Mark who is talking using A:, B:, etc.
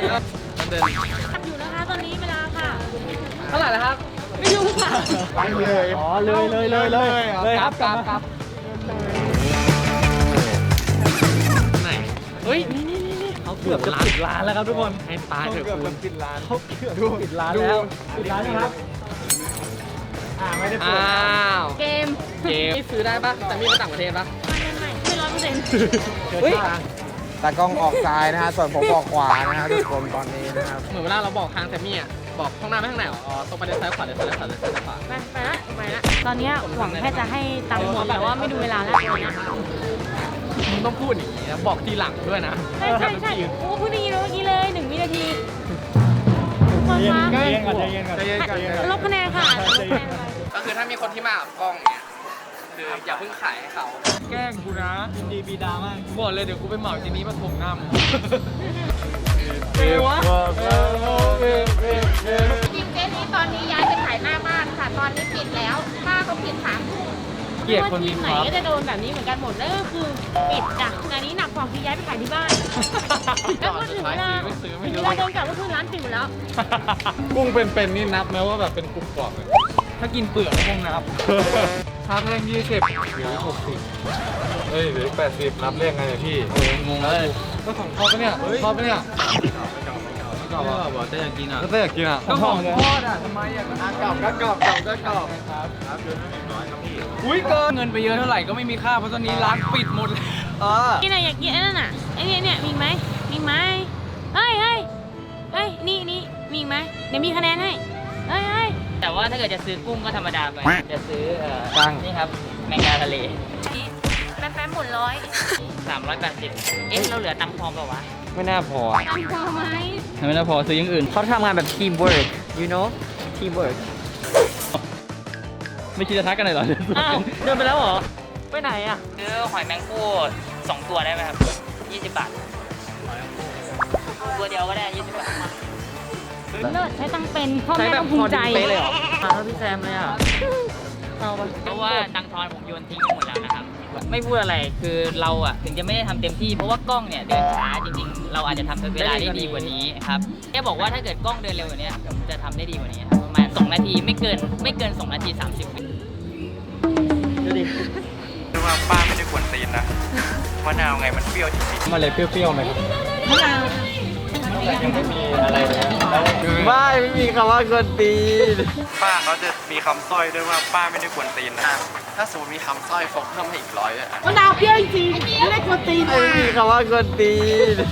A: มันเดิน
B: อยู่นะคะตอนนี้เวลาค่ะ
A: เท่าไหร่แล้วครับ
B: ไม่รู้ค่ะ
C: ไปเลยอ๋อเลยครับกลับ
A: ไหนเฮ้ยนี่เขาเกือบจะปิดร้านแล้วครับทุกคนให้ตายเถอะคุณ
C: ปิดร้าน
A: เขาเกือบจะปิดร้านแล้วปิดร้านนะครับ
C: ไม่ได้
A: อ้าว
B: เกม
A: เกมซื้อได้ปะแต่มีมาต่างประเทศปะ
B: ไม่100%
A: เฮ้ย
C: ตากล้องออกซ้ายนะฮะส่วนผมออกขวานะฮะทุกคนตอนนี้นะครับ
A: เหมือนเวลาเราบอกทางแซมมี่อ่ะบอกข้างหน้าไม่ข้างไหนอ๋อตรงไปเดินซ้ายขวาเดินซ้ายขวาเดินซ้ายขวา
B: ไปละตอนนี้หวังแค่จะให้ตังค์หมดแต่ว่าไม่ดูเวลาแล้ว
A: มึงต้องพูดอย่างนี้นะบอกทีหลังด้วยนะ
B: ใช่โอ้พูดอย่างนี้เมื่อกี้เลย1 วินาทีคนคะ
C: ใจเย็นก่อน
B: ลบคะแนนค่ะลบคะแนนไป
A: ก็คือถ้ามีคนที่มากับกล้องเนี่ยคืออย่าเพิ่งขายให้เขาแกล้งกูนะ
C: ดีบีดามาก
A: บอกเลยเดี๋ยวกูไปเหมาทีนี้มาถมหน้ามึง
C: เอวะ
D: จริงเจ๊นี้ตอนนี้ย้ายไปขายหน้าบ้านค่ะ ตอนนี้ปิดแล้วป้าก็ปิด3 ทุ่ม
A: เกลียดคน
B: ที
A: มี
B: ม
A: ค
B: ไหน
A: วาม
B: ก็จะโดนแบบนี้เหมือนกันหมดนั่นก็คือปิดจ้ะงานนี้หนักกว่าคือย้ายไปขายที่บ้านแล้วก็ถึงเวลาโดนกลับก็คือร้านปิดหมดแล้ว
C: กุ้งเป็นนี่นับไหมว่าแบบเป็นกรุบกรอบเลย
A: ถ้ากินเปลือกก็คงนับ
C: ถ้าเร่ง20เหลือ60เฮ้ยเหลือ80นับเลขไงเนี่ยพี่
A: งงเลย
C: ก็ของทอดปะเนี่ยทอดปะเนี่ย
A: ก็บอกจะอยากกินอ่ะ
C: ก็จะอยากกินอ่ะ
A: ก็ของทอดอ่ะทำไมอ่ะกรอบครับอุ้ยเกินเงินไปเยอะเท่าไหร่ก็ไม่มีค่าเพราะตอนนี้ร้านปิดหมดเลย
B: กินอะไรอยากกินไอ้นั่นน่ะไอ้เนี่ยมีไหมเฮ้ยนี่มีไหมเดี๋ยวมีคะแนนให้เฮ้ย
E: แต่ว่าถ้าเกิดจะซื้อกุ้งก็ธรรมดาไป จะซื้อ
C: ตั้ง
E: นี่ครับแมงดาทะเล
B: แป๊บหมดร้อย
E: 380เอ๊ะเราเหลือตังค์พอเปล่าวะ
C: ไม่น่าพอ
B: ตังค์พอไหม
E: ไม่ได้พอซื้ออย่างอื่นเขาทำงานแบบทีมเวิร์ก you know ทีมเวิร์กไม่คิดจะทักกันเลยเหรอ
B: อ้าวเดินไปแล้วเหรอไปไหนอ่ะ
E: ซื้อหอยแมงผู้2 ตัวได้ไหมครับ 20 บาท ตัวเดียวก็ได้ 20 บาท
B: เลิศใช้ตังค์เป็นพ่อแม่ต้องภูมิใจ
E: มาแล้วพี่แซมเลยอ่ะเพราะว่าตังค์ทอนผมโยนทิ้งไปหมดแล้วนะครับ ไม่พูดอะไรคือเราอ่ะถึงจะไม่ได้ทำเต็มที่เพราะว่ากล้องเนี่ยเดินช้าจริงๆ เราอาจจะทำเวลาได้ดีกว่านี้ครับแค่บอกว่าถ้าเกิดกล้องเดินเร็วกว่านี้ผมจะทำได้ดีกว่านี้ครับประมาณ2 นาทีไม่เกิน2 นาที 30 วิ
A: ดูดิ
F: คือว่าป้าไม่ได้กวนตีนนะมะนาวไงมันเปรี้ยวจริง
C: มาเลยเปรี้ยวๆไหมครับ
B: มะนาว
C: ยังไม่มีอะไรเลย
A: ไม่มีคำว่ากวนตีน
F: ๆป้าเขาจะมีคำสร้อยด้วยว่าป้าไม่ได้กวนตีนนะถ้าสมมติมีคำสร้อยฟกเพิ่มให้อีก100ด้วยอ่ะ
B: มะนาวเปรี้ยวจริงไม่ได้กวนตีน
A: ไม่มีคำว่ากวนตีน